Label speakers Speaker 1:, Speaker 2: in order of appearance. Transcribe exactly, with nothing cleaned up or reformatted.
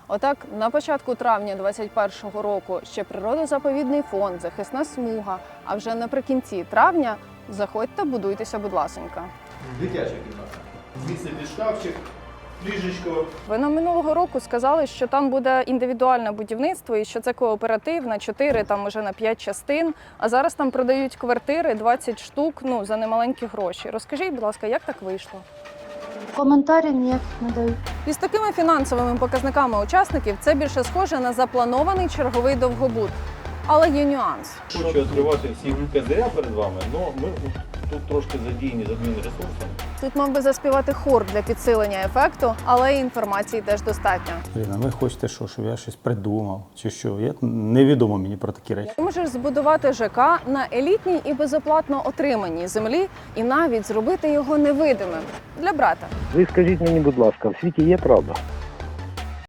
Speaker 1: Отак, на початку травня двадцять першого року ще природозаповідний фонд, захисна смуга, а вже наприкінці травня заходьте, будуйтеся, будь ласенька.
Speaker 2: Дитяча кімната. Звідси під шкафчик, ліжечко.
Speaker 1: Ви нам минулого року сказали, що там буде індивідуальне будівництво і що це кооператив на чотири, там може на п'ять частин, а зараз там продають квартири двадцять штук, ну, за немаленькі гроші. Розкажіть, будь ласка, як так вийшло?
Speaker 3: Коментарів ніяких не дають.
Speaker 1: І з такими фінансовими показниками учасників це більше схоже на запланований черговий довгобуд. Але є нюанс.
Speaker 4: Хочу відкривати всі козиря перед вами, але ми тут трошки задіяні з адмінресурсом.
Speaker 1: Тут мав би заспівати хор для підсилення ефекту, але інформації теж достатньо.
Speaker 5: Блін, а ви хочете що, щоб я щось придумав? Чи що? Я невідомо мені про такі речі.
Speaker 1: Ти можеш збудувати ЖК на елітній і безоплатно отриманій землі і навіть зробити його невидимим для брата.
Speaker 6: Ви скажіть мені, будь ласка, в світі є правда?